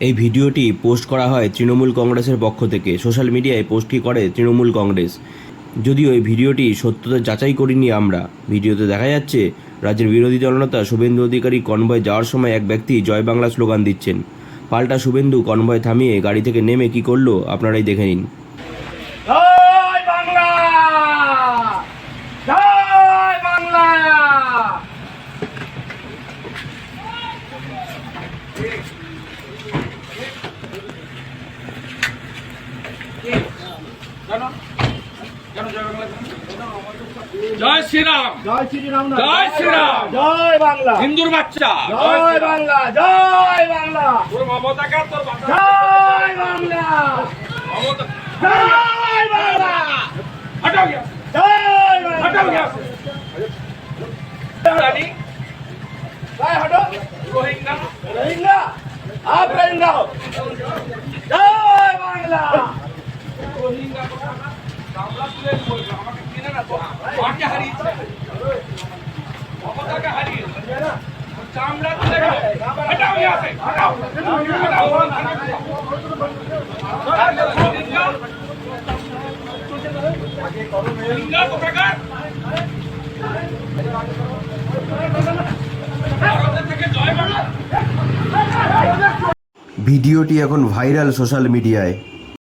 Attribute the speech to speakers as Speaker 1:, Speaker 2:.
Speaker 1: এই ভিডিওটি পোস্ট করা হয় তৃণমূল কংগ্রেসের পক্ষ থেকে। সোশ্যাল মিডিয়ায় পোস্টটি করে তৃণমূল কংগ্রেস। যদিও এই ভিডিওটি সত্যতা যাচাই করিনি আমরা। ভিডিওতে দেখা যাচ্ছে রাজ্যের বিরোধী দলনেতা শুভেন্দু অধিকারী কনভয় যাওয়ার সময় এক ব্যক্তি জয় বাংলা স্লোগান দিচ্ছেন। পাল্টা শুভেন্দু কনভয় থামিয়ে গাড়ি থেকে নেমে কি করলো আপনারাই দেখে নিন।
Speaker 2: জয় বাংলা, জয় বাংলা।
Speaker 3: জয় শ্রীরাম,
Speaker 2: জয় শ্রীরাম,
Speaker 3: জয় শ্রীরাম,
Speaker 2: জয় বাংলা,
Speaker 3: হিন্দুর বাচ্চা,
Speaker 2: জয় বাংলা, জয় বাংলা,
Speaker 3: তোর মমতাকে তোর বাচ্চা,
Speaker 2: জয় বাংলা,
Speaker 3: মমতা
Speaker 2: জয় বাংলা,
Speaker 3: হটাও গিয়া,
Speaker 2: জয় বাংলা,
Speaker 3: হটাও গিয়া রানী
Speaker 2: জয় হটো,
Speaker 3: রোহিঙ্গা
Speaker 2: রোহিঙ্গা, आप रहिंगा हो, जय बांग्ला।
Speaker 3: রোহিঙ্গা বাংলা তুলে বলবে আমাকে চিনে না তো আমাকে হারিয়েছে মমতাকে হারিয়েছে চামড়া তুলে হটাও গিয়া সে হটাও রোহিঙ্গা কোথাকার ভারতের থেকে জয় বাংলা।
Speaker 1: ভিডিওটি এখন ভাইরাল সোশ্যাল মিডিয়ায়।